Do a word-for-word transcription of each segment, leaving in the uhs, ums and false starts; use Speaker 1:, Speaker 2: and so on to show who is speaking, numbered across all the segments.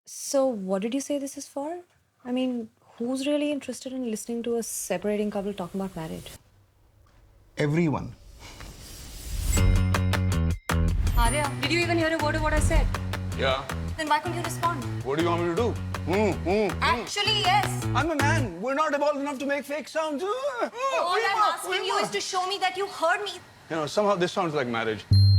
Speaker 1: So, what did you say this is for? I mean, who's really interested in listening to a separating couple talking about marriage?
Speaker 2: Everyone.
Speaker 1: Arya, did you even hear a word of what I said?
Speaker 3: Yeah.
Speaker 1: Then why couldn't you respond?
Speaker 3: What do you want me to do?
Speaker 2: Mm, mm.
Speaker 1: Actually, yes.
Speaker 2: I'm a man. We're not evolved enough to make fake sounds. Uh, uh,
Speaker 1: All
Speaker 2: we
Speaker 1: I'm
Speaker 2: were-
Speaker 1: asking
Speaker 2: we
Speaker 1: you
Speaker 2: were.
Speaker 1: is to show me that you heard me.
Speaker 3: You know, somehow this sounds like marriage.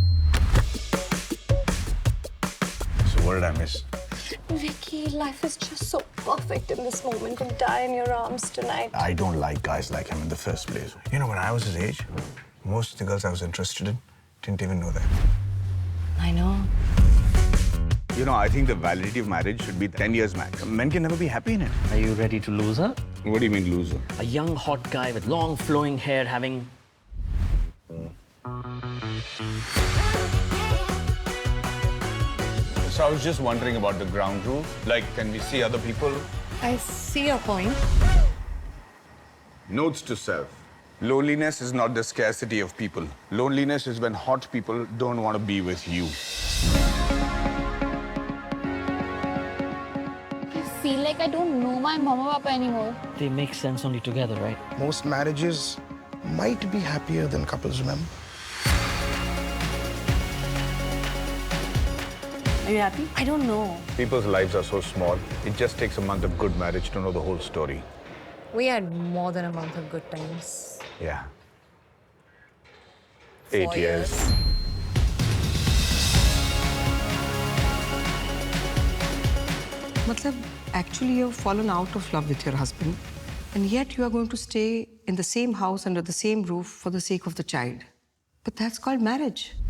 Speaker 2: So what did I miss?
Speaker 4: Vicky, life is just so perfect in this moment to die in your arms tonight.
Speaker 2: I don't like guys like him in the first place. You know, when I was his age, most of the girls I was interested in didn't even know that.
Speaker 1: I know.
Speaker 3: You know, I think the validity of marriage should be ten years max. Men can never be happy in it.
Speaker 5: Are you ready to lose her?
Speaker 3: What do you mean, loser?
Speaker 5: A young, hot guy with long, flowing hair having...
Speaker 3: So I was just wondering about the ground rule. Like, can we see other people?
Speaker 1: I see your point.
Speaker 3: Notes to self. Loneliness is not the scarcity of people. Loneliness is when hot people don't want to be with you.
Speaker 6: I feel like I don't know my mama papa anymore.
Speaker 5: They make sense only together, right?
Speaker 2: Most marriages might be happier than couples remember.
Speaker 1: Are you happy? I don't know.
Speaker 3: People's lives are so small. It just takes a month of good marriage to know the whole story.
Speaker 1: We had more than a month of good times.
Speaker 3: Yeah. Eight
Speaker 1: Four
Speaker 3: years.
Speaker 1: years.
Speaker 7: Matlab, actually you've fallen out of love with your husband and yet you are going to stay in the same house under the same roof for the sake of the child. But that's called marriage.